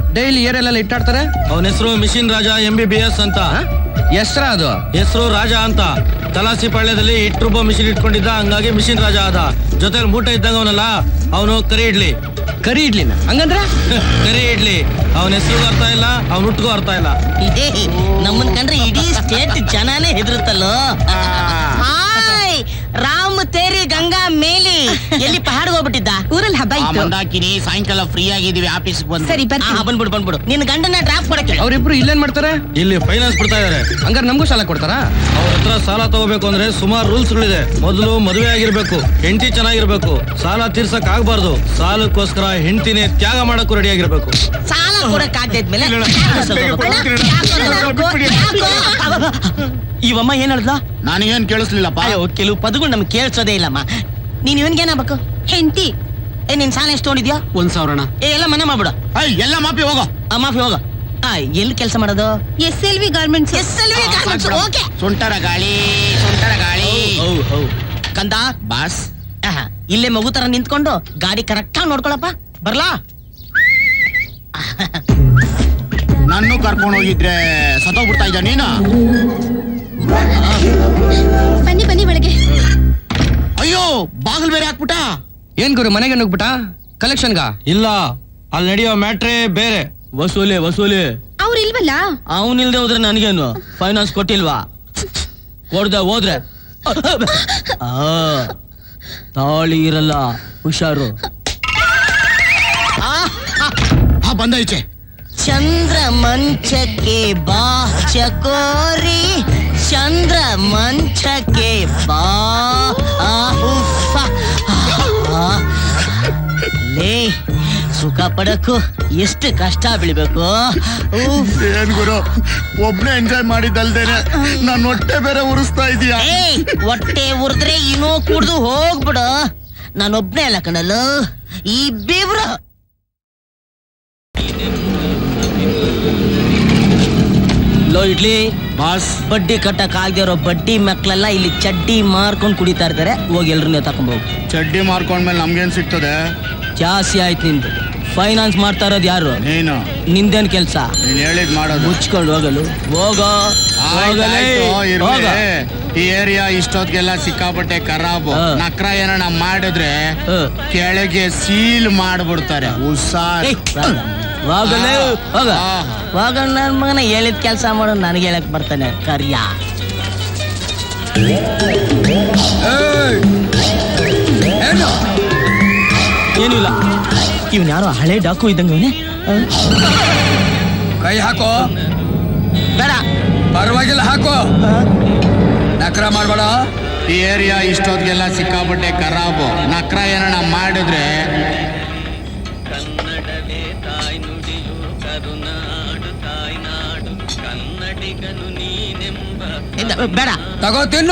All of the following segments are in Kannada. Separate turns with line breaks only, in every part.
ಡೈಲಿ ಏರೆಲ್ಲ ಇಟ್ಟಾಡ್ತಾರೆ.
ಅವನ ಹೆಸರು ಮಿಷಿನ್ ರಾಜ MBBS ಅಂತ.
ಹೆಸ್ರ ಅದು?
ಹೆಸರು ರಾಜ ಅಂತ. ತಲಾಸಿ ಪಾಳ್ಯದಲ್ಲಿ ಇಟ್ರುಬ್ಬ ಮಿಷಿನ್ ಇಟ್ಕೊಂಡಿದ್ದ, ಹಂಗಾಗಿ ಮಿಷಿನ್ ರಾಜ ಆದ. ಜೊತೆಲಿ ಮೂಟೆ ಇದ್ದಂಗ ಅವನಲ್ಲ, ಅವನು ಕರಿ ಇಡ್ಲಿ.
ಕರಿ ಇಡ್ಲಿನ ಹಂಗಂದ್ರೆ?
ಕರಿ ಇಡ್ಲಿ. ಅವನ ಹೆಸರು ಅರ್ಥ ಇಲ್ಲ, ಅವನ ಹುಟ್ಟಿಗೂ ಅರ್ಥ ಇಲ್ಲ.
ಇದೇ ನಮ್ಮನ್ ಕಂಡ್ರೆ ಇಡೀ ಸ್ಟೇಟ್ ಜನಾನೇ ಹೆದರುತ್ತಲ್ಲೋ. ರಾಮ್ ತೇರಿ ಗಂಗಾ ಮೇಲಿ ಎಲ್ಲಿ ಪಹಾಡ್ಗೆ ಹೋಗ್ಬಿಟ್ಟಿದ್ದ?
ಊರಲ್ಲಿ ಹಬ್ಬ ಇತ್ತು.
ಮಂದಾಕಿನಿ, ಸಾಯಂಕಾಲ ಫ್ರೀ ಆಗಿದೀವಿ, ಆಫೀಸ್ ಬಂದು.
ಸರಿ
ಬಂದ್ಬಿಡು. ನಿನ್ನ ಗಂಡನ ಡ್ರಾಪ್ ಕೊಡಕ್ಕೆ.
ಅವ್ರಿಬ್ರು ಇಲ್ಲೇನ್ ಮಾಡ್ತಾರೆ?
ಇಲ್ಲಿ ಫೈನಾನ್ಸ್ ಬಿಡ್ತಾ ಇದಾರೆ.
ಹಂಗಾರೆ ನಮಗೂ ಸಾಲ ಕೊಡ್ತಾರಾ?
ಅವ್ರ ಹತ್ರ ಸಾಲ ತಗೋಬೇಕು ಅಂದ್ರೆ ಸುಮಾರು ರೂಲ್ಸ್ಗಳಿದೆ. ಮೊದಲು ಮದುವೆ ಆಗಿರ್ಬೇಕು, ಹೆಂಡತಿ ಚೆನ್ನಾಗಿರ್ಬೇಕು, ಸಾಲ ತೀರ್ಸಕ್ ಆಗ್ಬಾರ್ದು. ಸಾಲಕ್ಕೋಸ್ಕರ ಹೆಂಡತಿನೇ ತ್ಯಾಗ ಮಾಡಕ್ಕೂ ರೆಡಿ ಆಗಿರ್ಬೇಕು.
ಸಾಲ ಕೊಡಕ್ ಆಗ್ತಿದ್ಮೇಲೆ ಇವಮ್ಮ ಏನ್ ಹೇಳ್ದ?
ನನಗೇನ್ ಕೇಳಿಸ್ಲಿಲ್ಲಪ್ಪ.
ಕೆಲವು ಪದಗಳು ನಮ್ಗೆ ಕೇಳಿಸೋದೇ ಇಲ್ಲಮ್ಮ. ನೀನ್ ಇವನ್ಗೇನಾಗಬೇಕು?
ಹೆಂಡತಿ.
ನಿನ್ ಸಾಲ ಎಷ್ಟು ತೊಗೊಂಡಿದ್ಯಾ?
1,000.
ಎಲ್ಲ ಮನೆ ಮಾಡ್ಬಿಡ.
ಎಲ್ಲ ಮಾಪಿ ಹೋಗೋ.
ಮಾಫಿ ಹೋಗ. ಎಲ್ಲಿ ಕೆಲಸ ಮಾಡೋದು?
SLV garments.
ಓಕೆ.
ಸುಂಟರ ಗಾಳಿ.
ಕಂದ
ಬಾಸ್,
ಇಲ್ಲೇ ಮಗು ತರ ನಿಂತ್ಕೊಂಡು ಗಾಡಿ ಕರೆಕ್ಟ್ ಆಗಿ ನೋಡ್ಕೊಳಪ್ಪ. ಬರ್ಲಾ?
ನನ್ನೂ ಕರ್ಕೊಂಡು ಹೋಗಿದ್ರೆ ಸತ್ತೋಗ್ಬಿಡ್ತಾ ಇದ್ದ ನೀನು.
ಬನ್ನಿ ಒಳಗೆ.
ಅಯ್ಯೋ, ಬಾಗಿಲು ಬೇರೆ ಹಾಕ್ಬಿಟ್ಟ.
ಏನ್ ಗುರು, ಮನೆಗೆ ನುಗ್ಬಿಟ್ಟ? ಕಲೆಕ್ಷನ್ಗ?
ಇಲ್ಲ, ಅಲ್ಲಿ ನಡೆಯೋ ಮ್ಯಾಟ್ರೇ ಬೇರೆ. ವಸೂಲಿ.
ಅವ್ರು ಇಲ್ವಲ್ಲ?
ಅವನಿಲ್ದೆ ಹೋದ್ರೆ ನನಗೇನು? ಫೈನಾನ್ಸ್ ಕೊಟ್ಟಿಲ್ವಾ? ಕೊಡ್ದೆ ಹೋದ್ರೆ ತಾಳಿ ಇರಲ್ಲ, ಹುಷಾರು.
ಬಂದ ಈಚೆ.
ಚಂದ್ರ ಮಂಚಕ್ಕೆ ಬಾ ಚಕೋರಿ, ಚಂದ್ರ ಮಂಚಕ್ಕೆ ಬಾ. ಲೇ, ಸುಖ ಪಡಕ್ಕೂ ಎಷ್ಟು ಕಷ್ಟ ಬೀಳ್ಬೇಕು.
ಏನ್ ಗುರು, ಒಬ್ನೇ ಎಂಜಾಯ್ ಮಾಡಿದ್ದಲ್ದೇನೆ ನಾನು ಹೊಟ್ಟೆ ಬೇರೆ ಉರಿಸ್ತಾ ಇದೀಯಾ?
ಹೊಟ್ಟೆ ಉರಿದ್ರೆ ಇನ್ನೂ ಕುಡ್ದು ಹೋಗ್ಬಿಡು. ನಾನೊಬ್ನೇ ಅಲ್ಲ ಕಣಲು, ಈ ಬೇವ್ರ. ಲೋ ಇಡ್ಲಿ
ಬಾಸ್,
ಬಡ್ಡಿ ಕಟ್ಟಕ್ ಆಗದೆ ಇರೋ ಬಡ್ಡಿ ಮಕ್ಳೆಲ್ಲ ಇಲ್ಲಿ ಚಡ್ಡಿ ಮಾರ್ಕೊಂಡ್ ಕುಡಿತಾ ಇರ್ತಾರೆ. ಹೋಗಿ ಎಲ್ರನ್ನ ತಕೊಂಡ್ಬೋಗು.
ಚಡ್ಡಿ ಮಾರ್ಕೊಂಡ್ಮೇಲೆ ನಮ್ಗೇನ್ ಸಿಗ್ತದೆ?
ಜಾಸ್ತಿ ಆಯ್ತು ನಿಂದು. ಫೈನಾನ್ಸ್ ಮಾಡ್ತಾ ಇರೋದು ಯಾರು?
ನೀನು.
ನಿಂದೇನ್ ಕೆಲ್ಸ?
ನೀನ್ ಹೇಳಿದ್ ಮಾಡೋದು.
ಮುಚ್ಕೊಂಡು ಹೋಗಲು ಹೋಗೋ.
ಈ ಏರಿಯಾ ಇಷ್ಟೊತ್ತಿಗೆಲ್ಲ ಸಿಕ್ಕಾಪಟ್ಟೆ ಖರಾಬು. ನಕ್ರ ಏನೋ ಮಾಡಿದ್ರೆ ಕೆಳಗೆ ಸೀಲ್ ಮಾಡ್ಬಿಡ್ತಾರೆ. ಹುಷಾರ್.
ಹೋಗಲೇ ಹೋಗ. ಹೋಗ ನನ್ ಮಗನ ಹೇಳಿದ ಕೆಲ್ಸ ಮಾಡು. ನನಗೆ ಹೇಳಕ್ ಬರ್ತಾನೆ ಕರ್ಯ. ಏನಿಲ್ಲ, ಇವ್ನ ಯಾರೋ ಹಳೆ ಡಾಕು ಇದ್ದಂಗೆ ಇವನೇ.
ಕೈ ಹಾಕೋ.
ಬೇಡ,
ಪರವಾಗಿಲ್ಲ, ಹಾಕೋ. ನಕ್ರ ಮಾಡ್ಬೇಡ.
ಈ ಏರಿಯಾ ಇಷ್ಟೊತ್ತಿಗೆಲ್ಲ ಸಿಕ್ಕಾಪಟ್ಟೆ ಖರಾಬು. ನಕ್ರ ಏನೋ ಮಾಡಿದ್ರೆ
ಬೇಡ,
ತಗೋ ತಿನ್ನು.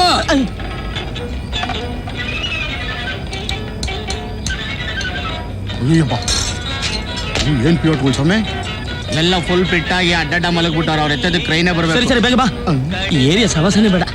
ಏನ್ ಪ್ಯೂರ್ ಸ್ವಾಮಿ, ಎಲ್ಲ ಫುಲ್ ಫಿಟ್ಟಾಗಿ ಅಡ್ಡಡ್ಡ ಮಲಗ್ಬಿಟ್ಟಾರ. ಅವ್ರ ಎತ್ತದ ಕ್ರೈನೇ ಬರ್ಬೇಕು.
ಸರಿ ಬೇಗ ಬಾ. ಈ ಏರಿಯಾ ಸವಾಸನೆ ಬೇಡ.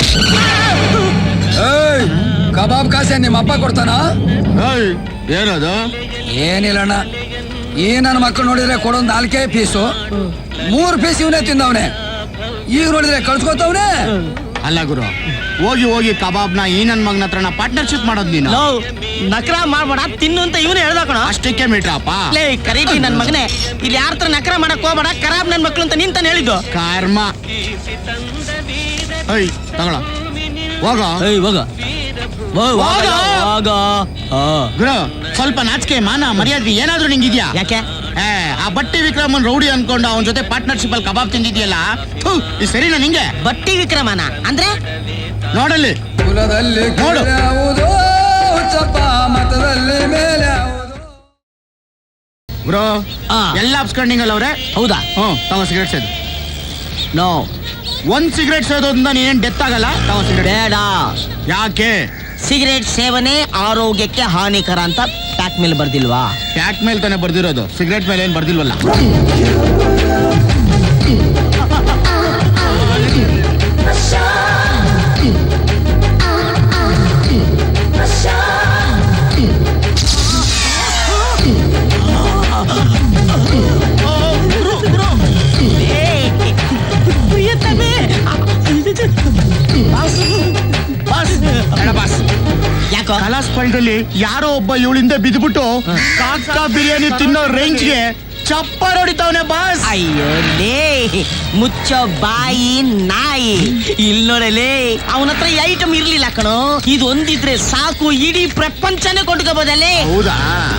ಕಬಾಬ್ ಕಾಸೆ ನಿಮ್ಮ ಅಪ್ಪ ಕೊಡ್ತಾನ?
ಏನದು?
ಏನಿಲ್ಲಣ್ಣ, ಈ ನನ್ನ ಮಕ್ಕಳು ನೋಡಿದ್ರೆ ಕೊಡೊಂದು 4 ಪೀಸು, 3 ಪೀಸ್ ಇವನೇ ತಿಂದವನೆ. ಈಗ ನೋಡಿದ್ರೆ ಕಳ್ಸ್ಕೊತವ್ನೆ.
ಅಲ್ಲ ಗುರು, ಹೋಗಿ ಕಬಾಬ್ನ ಈ ನನ್ ಮಗನ ಹತ್ರನ ಪಾರ್ಟ್ನರ್ಶಿಪ್ ಮಾಡೋದ್ ನೀನು.
ನಕ್ರ ಮಾಡ್ಬೇಡ, ತಿನ್ನು ಅಂತ ಇವನು ಹೇಳ್ದಕಣ.
ಅಷ್ಟಕ್ಕೆ ಮೀಟ್ರಪ್ಪ.
ಲೇ ಕರೀಬಿ ನನ್ ಮಗನೇ, ಇಲ್ಲಿ ಯಾರ ಹತ್ರ ನಕ್ರ ಮಾಡಕ್ ಹೋಗ್ಬೇಡ. ಖರಾಬ್ ನನ್ ಮಕ್ಳು ಅಂತ ನಿಂತಾನೆ ಹೇಳಿದ್ದು.
ಕರ್ಮ. ತಗೊಳ ಹೋಗ. ಗುರು, ಸ್ವಲ್ಪ ನಾಚಿಕೆ ಮಾನ ಮರ್ಯಾದೆ ಏನಾದ್ರು ನಿಂಗಿದ್ಯಾ?
ಯಾಕೆ?
ಆ ಬಟ್ಟಿ ವಿಕ್ರಮನ್ ರೌಡಿ ಅನ್ಕೊಂಡು ಅವನ ಜೊತೆ ಪಾರ್ಟ್ನರ್ಶಿಪ್ ಅಲ್ಲಿ ಕಬಾಬ್ ತಿಂದಿದ್ಯಲ್ಲ, ಇದು ಸರಿನಾ ನಿಂಗೆ?
ಬಟ್ಟಿ ವಿಕ್ರಮನ ಅಂದ್ರೆ
ನೋಡಲ್ಲಿ
ಕುಲದಲ್ಲಿ
ನೋಡು.
ಮತದಲ್ಲಿ ಮೇಲೆ
ಬ್ರೋ, ಎಲ್ಲ ಅಪ್ಸ್ಕೊಂಡಿಂಗಲ್ಲ ಅವ್ರೆ.
ಹೌದಾ?
ತಗೋ ಸಿಗರೇಟ್ ಸೇದು.
ನೋ,
1 ಸಿಗರೇಟ್ ಸೇದೋದ್ರಿಂದ ನೀನೇನ್ ಡೆತ್ ಆಗಲ್ಲ. ತಗೋ ಸಿಗರೇಟ್.
ಬೇಡ.
ಯಾಕೆ?
ಸಿಗರೇಟ್ ಸೇವನೆ ಆರೋಗ್ಯಕ್ಕೆ ಹಾನಿಕರ ಅಂತ ಪ್ಯಾಕ್ ಮೇಲೆ ಬರ್ದಿಲ್ವಾ?
ಪ್ಯಾಕ್ ಮೇಲೆ ತಾನೇ ಬರ್ದಿರೋದು, ಸಿಗರೇಟ್ ಮೇಲೆ ಏನ್ ಬರ್ದಿಲ್ವಲ್ಲ.
ಯಾಕೋ
ಕಲಾಸ್ ಪಾಳ್ಯದಲ್ಲಿ ಯಾರೋ ಒಬ್ಬ ಇವಳಿಂದ ಬಿದ್ಬಿಟ್ಟು ಕಾಕ ಬಿರಿಯಾನಿ ತಿನ್ನೋ ರೇಂಜ್ಗೆ ಚಪ್ಪರ್ ಹೊಡಿತಾವನೆ ಬಾಸ್.
ಅಯ್ಯೋ ಲೇ ಮುಚ್ಚೋ ಬಾಯಿ ನಾಯಿ ಇಲ್ಲಿ ನೋಡಲೇ ಅವನ ಹತ್ರ ಐಟಮ್ ಇರ್ಲಿಲ್ಲ ಕಣೋ, ಇದು ಒಂದಿದ್ರೆ ಸಾಕು ಇಡೀ ಪ್ರಪಂಚನೇ ಕೊಂಡ್ಕೋಬೋದಲ್ಲೇ.
ಹೌದಾ?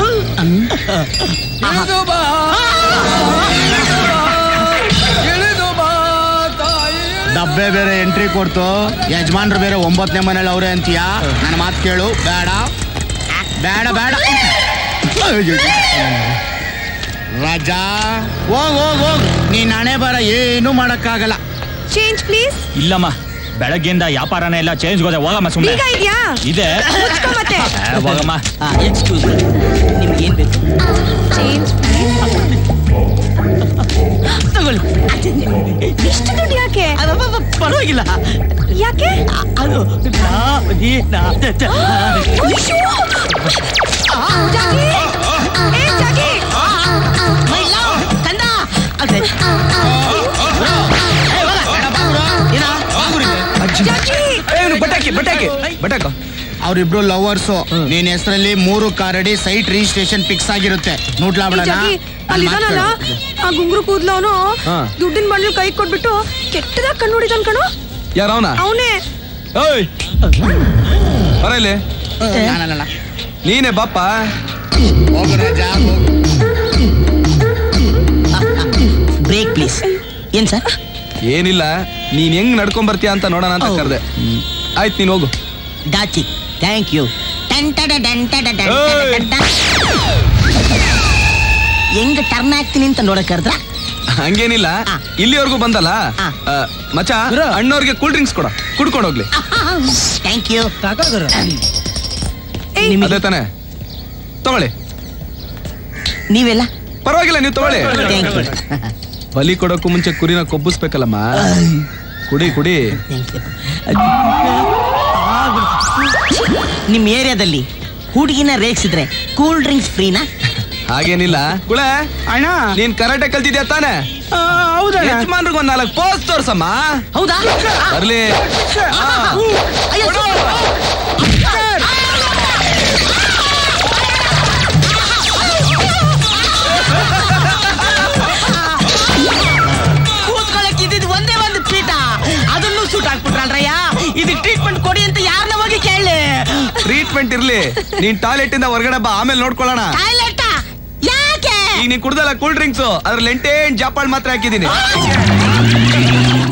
ಇಳಿದು ಬಾ, ಇಳಿದು ಬಾ ತಾಯಿ.
ಡಬ್ಬೆ ಬೇರೆ ಎಂಟ್ರಿ ಕೊಡ್ತು, ಯಜಮಾನ್ರು ಬೇರೆ 9ನೇ ಮನೇಲಿ ಅವ್ರೆ ಅಂತೀಯಾ? ನನ್ನ ಮಾತು ಕೇಳು. ಬೇಡ ಬೇಡ ಬೇಡ ರಾಜಾ, ಹೋಗ್ ಹೋಗ್ ಹೋಗ್, ನೀನ್ ಹಣೆ ಬರ ಏನು ಮಾಡಕ್ಕಾಗಲ್ಲ.
Change please.
ಇಲ್ಲಮ್ಮ, ಬೆಳಗ್ಗೆಯಿಂದ ವ್ಯಾಪಾರನೇ ಇಲ್ಲ, ಚೇಂಜ್ ಹೋದೆ. ಹೋಗಮ್ಮ ಸುಮ್ಮನೆ
ಈಗ ಇದ್ಯಾ
ಇದೆ.
ಮತ್ತೆ
ಹೋಗಮ್ಮ.
ಎಕ್ಸ್ಕ್ಯೂಸ್ ನಿಮ್ಗೆ ಏನ್ ಬೇಕು?
ಚೇಂಜ್
ತಗೊಳ್ಳಿ.
ಇಷ್ಟು ದುಡ್ಡು ಯಾಕೆ?
ಪರವಾಗಿಲ್ಲ.
ಯಾಕೆ?
ಅದು
ಜಾಗಿ! ಏ, ಜಾಗಿ!
ಕಂದ
ಬಟಾಕ
ಅವ್ರಿಬ್ರು ಲವರ್ಸು. ನಿನ್ ಹೆಸರಲ್ಲಿ 3 ಕಾರಡಿ ಸೈಟ್ ರಿಜಿಸ್ಟ್ರೇಷನ್ ಫಿಕ್ಸ್ ಆಗಿರುತ್ತೆ. ನೋಡ್ಲಾ ಬಿಡೋಣ.
ಜಾಗಿ, ಅಲ್ಲಿದಾನಲ್ಲ ಆ ಗುಂಗುರು ಕೂದ್ಲವನು
ಹಾ.
ದುಡ್ಡಿನ ಬಂಡ್ಲು ಕೈ ಕೊಟ್ಬಿಟ್ಟು ಕೆಟ್ಟದಾಗ ಕಣ್ಣು ಹೊಡಿತಾನ ಕಣೋ.
ಯಾರ ಅವನ?
ಅವನೇ.
ಓಯ್ ಬರ ಇಲ್ಲಿ.
ನಾನಲ್ಲ.
ನೀನೇ ಬಾಪ್ಪ.
ಹೋಗು ರಾಜಾ, ಹೋಗು.
Break please. ಏನ್ ಸರ್?
ಏನಿಲ್ಲ, ನೀನ್ ಹೆಂಗ್ ನಡ್ಕೊಂಡ್ ಬರ್ತೀಯ ಅಂತ ನೋಡೋಣ ಅಂತ ಕರೆದೆ. ಆಯ್ತು, ನೀನ್ ಹೋಗು.
ದಾಚಿ ಥ್ಯಾಂಕ್ ಯು. ಹೆಂಗ್ ಟರ್ನ್ ಆಗ್ತೀನಿ ಅಂತ ನೋಡಕ್ ಕರೆದ್ರ?
ಹಂಗೇನಿಲ್ಲ, ಇಲ್ಲಿವರೆಗೂ ಬಂದಲ್ಲ. ಮಚ, ಅಣ್ಣವ್ರಿಗೆ ಕೂಲ್ ಡ್ರಿಂಕ್ಸ್ ಕೊಡ, ಕುಡ್ಕೊಂಡು ಹೋಗ್ಲಿ.
Thank you.
ಅದೇ ತಾನೆ, ತಗೊಳ್ಳಿ.
ನೀವೆಲ್ಲ
ಪರವಾಗಿಲ್ಲ, ನೀವು ತಗೊಳ್ಳಿ.
Thank you.
ಬಲಿ ಕೊಡೋಕ್ಕೂ ಮುಂಚೆ ಕುರಿನ ಕೊಬ್ಬಿಸ್ಬೇಕಲ್ಲಮ್ಮ. ಕುಡಿ ಕುಡಿ.
ನಿಮ್ ಏರಿಯಾದಲ್ಲಿ ಹುಡುಗಿನ ರೇಗಿಸಿದ್ರೆ ಕೂಲ್ ಡ್ರಿಂಕ್ಸ್ ಫ್ರೀನಾ?
ಹಾಗೇನಿಲ್ಲ. ಕುಳೆ
ಅಣ್ಣ,
ನೀನ್ ಕರಾಟೆ ಕಲ್ತಿದ್ಯಾ ತಾನೆ?
ಹೌದಾ?
ಯಜಮಾನ್ರಿಗೆ 4 ಪೋಸ್ಟ್ ತೋರ್ಸಮ್ಮ.
ಹೌದಾ?
ಬರ್ಲಿ.
ಅಯ್ಯೋ, ಕೂತ್ಕೊಳ್ಳಕ್ ಇದ್ದಿದ್ದು ಒಂದೇ ಒಂದು ಪೀಠ, ಅದನ್ನು ಸೂಟ್ ಹಾಕ್ಬಿಟ್ರಲ್ರಯ್ಯ. ಇದಕ್ಕೆ ಟ್ರೀಟ್ಮೆಂಟ್ ಕೊಡಿ ಅಂತ ಯಾರನ್ನ ಹೋಗಿ ಕೇಳಿ.
ಟ್ರೀಟ್ಮೆಂಟ್ ಇರ್ಲಿ, ನೀನ್ ಟಾಯ್ಲೆಟ್ ಇಂದ ಹೊರಗಡೆ ಬಾ, ಆಮೇಲೆ ನೋಡ್ಕೊಳ್ಳೋಣ.
ಟಾಯ್ಲೆಟ್ ಯಾಕೆ?
ಈಗ ನೀನ್ ಕುಡ್ದಲ್ಲ ಕೂಲ್ ಡ್ರಿಂಕ್ಸ್, ಅದ್ರಲ್ಲಿ 8 ಜಾಪಾಳ್ ಮಾತ್ರ ಹಾಕಿದೀನಿ.